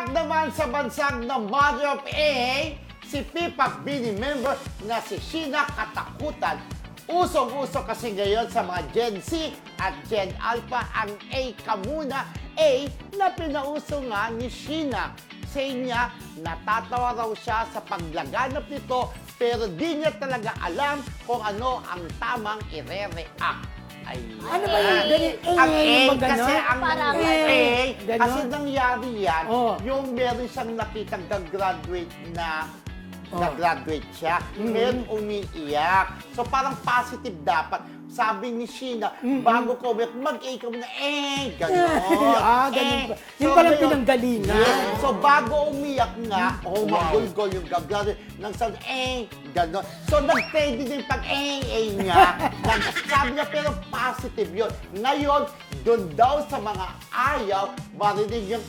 Back naman sa bansang na Mother of A, si Pipak Bini member na si Sheena Katakutan. Usong-uso kasi ngayon sa mga Gen Z at Gen Alpha ang A ka muna, A na pinauso nga ni Sheena. Sa niya, natatawa raw siya sa paglaganap nito pero di niya talaga alam kung ano ang tamang ire-react. Ayan. Ano ba yung ganyan? Ang A, yung mga kasi ganon? ang Parang A, ganon? kasi nangyari yan, Oh. yung meron siyang nakitang graduate na Oh. nag-graduate siya, ngayon umiiyak. So parang positive dapat. Sabi ni Sheena, bago ko umiyak, mag-A ka muna, gano'n. Ganun pa. Yun palang pinanggalingan. Yes. So bago umiyak nga, magulgol yung gagawin, nang sabi, gano'n. So nag-trade din pag niya. Sabi niya, pero positive yun. Ngayon, doon daw sa mga ayaw, marinig yung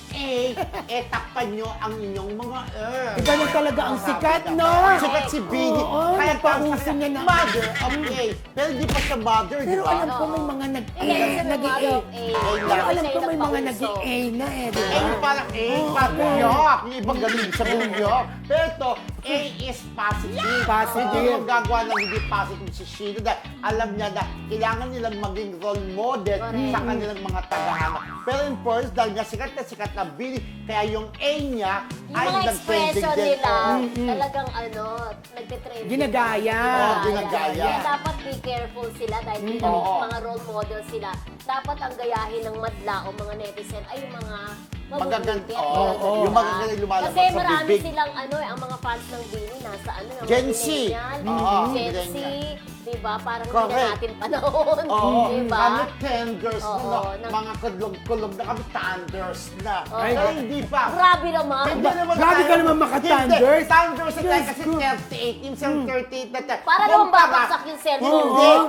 takpan nyo ang inyong mga Ganun talaga ang sikat, no? Sikat si Bini. Oo, Kaya napauso niya na. Mother of A. Pero di pa siya mother, di Pero ba? alam ko may mga nag-A. Hindi, kasi may Nag-A. mother of A. Pero alam ko Siya may yung mga nagpauso. nag-A na di ba? Parang parang yok. Yung ibang galing sabihin nyo. Pero ito, A is positive. Positive. Hindi mo gagawa ng hindi positive si Sheena dahil alam niya na kailangan nilang maging role model sa kanilang mga tagahanga. Pero in first, dahil nga sikat na Bini, kaya yung A niya Yung ay mga nag-trending expression din. nila, talagang nagtitrend. Ginagaya. Ginagaya. Kaya dapat be careful sila dahil bilang Oo. mga role model sila. Dapat ang gayahin ng madla o mga netizen ay yung mga Magaganda. mabubuti at Oo. magaganda. Yung magaganda lumalabas Kasi sa marami bibig. silang ang mga fans ng Bini nasa yung Gen mga Z. millennial, Oo, Gen Z, millennial. diba? Parang hindi Correct. na natin panahon. Oo, Diba? kami tenders Oo, na, nang- mga kulog-kulog na kami, thunders na. Oo. Pero hindi pa. Grabe naman. Hindi naman Grabe tayo- ka naman maka-thunders. Hindi, thunders na tayo Diyos kasi ko. 38, yung 38 na tayo. Para naman babagsak yung cellphone. Hindi. Oo.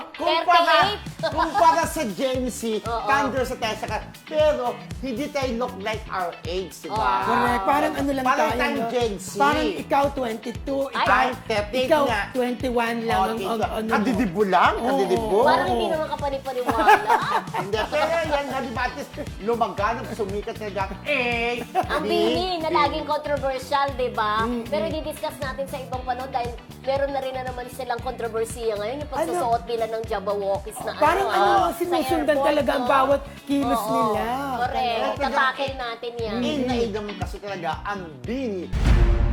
Kumpara sa Gen Z, Oo. thunders na tayo sa pero hindi tayo look like our age, di ba? Oo. Correct. Parang ano lang Parang tayo, tayong no? Gen Z. Parang ikaw 22, Ay, ikaw, 38 ikaw nga. 21 lang ang ano mo. Kadidibo lang? Kadidibo? Parang hindi naman kapanipaniwala. Hindi, pero yan, di ba, at least lumaganap, sumikat na lang, Ang Bini na laging controversial, di ba? Pero i-discuss natin sa ibang panahon dahil meron na rin na naman silang kontrobersiya ngayon yung pagsusuot nila ng Jabberwockies na Parang sa sinusundan airport, talaga ang no? bawat kilos Oo, nila. Correct. Talaga. Tatakin natin yan. naman kasi talaga ang Bini.